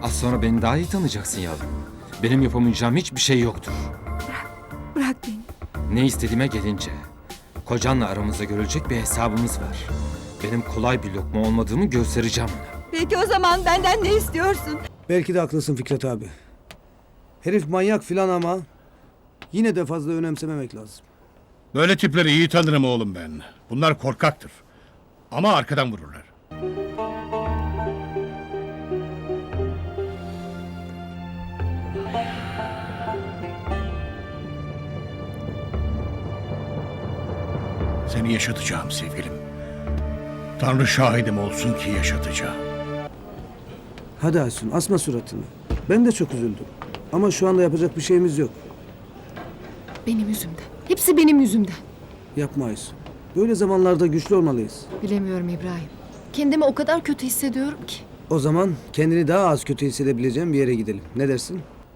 Az sonra beni daha iyi tanıyacaksın yavrum. Benim yapamayacağım hiçbir şey yoktur. Bırak beni. Ne istediğime gelince, kocanla aramızda görülecek bir hesabımız var. Benim kolay bir lokma olmadığımı göstereceğim ona. Peki o zaman benden ne istiyorsun? Belki de haklısın Fikret abi. Herif manyak filan ama yine de fazla önemsememek lazım. Böyle tipleri iyi tanırım oğlum ben. Bunlar korkaktır. Ama arkadan vururlar. Seni yaşatacağım sevgilim. Tanrı şahidim olsun ki yaşatacağım. Hadi Aysun asma suratını. Ben de çok üzüldüm. Ama şu anda yapacak bir şeyimiz yok. Benim yüzümden. Hepsi benim yüzümden. Yapma Aysun. Böyle zamanlarda güçlü olmalıyız. Bilemiyorum İbrahim. Kendimi o kadar kötü hissediyorum ki. O zaman kendini daha az kötü hissedebileceğin bir yere gidelim. Ne dersin?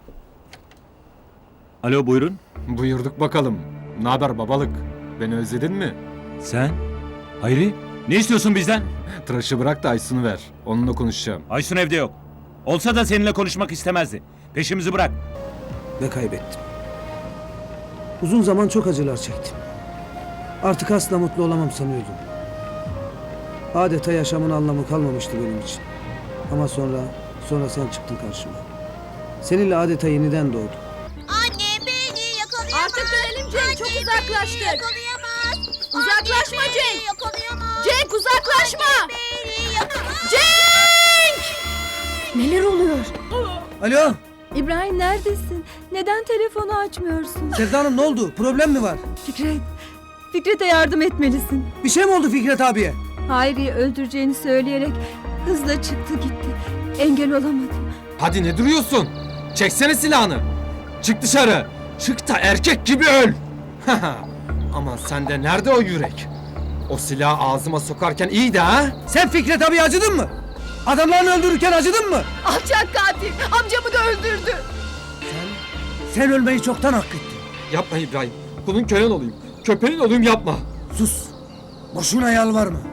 Alo buyurun. Buyurduk bakalım. Ne haber babalık? Beni özledin mi? Sen? Hayri? Ne istiyorsun bizden? Tıraşı bırak da Aysun'u ver. Onunla konuşacağım. Aysun evde yok. Olsa da seninle konuşmak istemezdi. Peşimizi bırak. Ve kaybettim. Uzun zaman çok acılar çektim. Artık asla mutlu olamam sanıyordum. Adeta yaşamın anlamı kalmamıştı benim için. Ama sonra sen çıktın karşıma. Seninle adeta yeniden doğdum. Anne beni yakalayamaz. Artık dönelim Cenk, çok Anne, uzaklaştık. beni yakalayamaz. Uzaklaşma Anne, Cenk. beni yakalayamaz. Cenk uzaklaşma! Beni yakalayamaz. Cenk! Neler oluyor? Alo, İbrahim neredesin? Neden telefonu açmıyorsun? Sevda Hanım ne oldu? Problem mi var? Fikret'e yardım etmelisin. Bir şey mi oldu Fikret abiye? Hayri'yi öldüreceğini söyleyerek hızla çıktı gitti. Engel olamadım. Hadi ne duruyorsun? Çeksene silahını. Çık dışarı. Çık da erkek gibi öl. Aman sende nerede o yürek? O silahı ağzıma sokarken iyiydi ha? Sen Fikret abiye acıdın mı? Adamlarını öldürürken acıdın mı? Alçak katil amcamı da öldürdü. Sen ölmeyi çoktan hak ettin. Yapma İbrahim. Kulun kölen olayım. Köpeğin olayım yapma. Sus. Boşuna yalvarma.